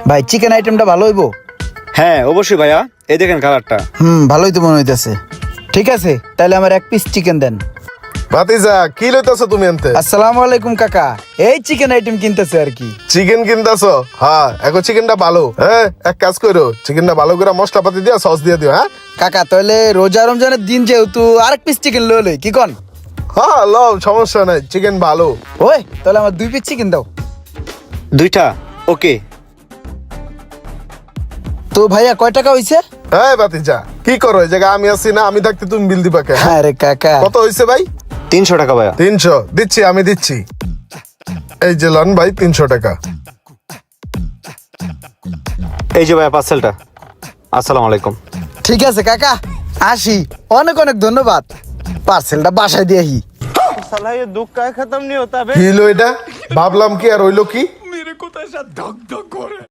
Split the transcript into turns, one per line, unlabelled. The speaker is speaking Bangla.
ভাই চিকেন আইটেমটা ভালো হইবো?
হ্যাঁ অবশ্যই ভাইয়া, এই দেখেন কালারটা।
ভালোই তো মনে হইতেছে। ঠিক আছে, তাহলে আমার 1 পিস চিকেন দেন।
ভাতিজা কি লইতাছো তুমি আনতে?
আসসালামু আলাইকুম কাকা, এই চিকেন আইটেম কিনতেছে আর কি।
চিকেন কিনতাছো? হ্যাঁ, এখন চিকেনটা ভালো। হ্যাঁ, এক কাজ করো, চিকেনটা ভালো করে মশলাপাতি দিয়া সস দিয়ে দিও। হ্যাঁ
কাকা তাহলে রোজা রমজানের দিন যেহেতু আরেক পিস চিকেন লই কি কন?
হ্যাঁ, লও, সমস্যা নাই, চিকেন ভালো।
ওই তাহলে আমার 2 পিস চিকেন দাও।
2টা ওকে।
তো ভাইয়া কয় টাকা হইছে?
হ্যাঁ ভাতিজা, কি করো এই জায়গায়? আমি আছি না, আমি থাকতে তুমি বিল দিবা কে?
আরে কাকা,
কত হইছে ভাই?
300 টাকা ভাইয়া।
300 দিচ্ছি, আমি দিচ্ছি। এই যে লন ভাই 300 টাকা।
এই যে ভাইয়া পার্সেলটা। আসসালামু আলাইকুম।
ঠিক আছে কাকা, আসি। অনেক অনেক ধন্যবাদ। পার্সেলটা বাসায় দিয়ে আহি।
साला ये दुख का खत्म नहीं होता बे।
কি হইলো এটা? ভাবলাম কি আর হইলো কি?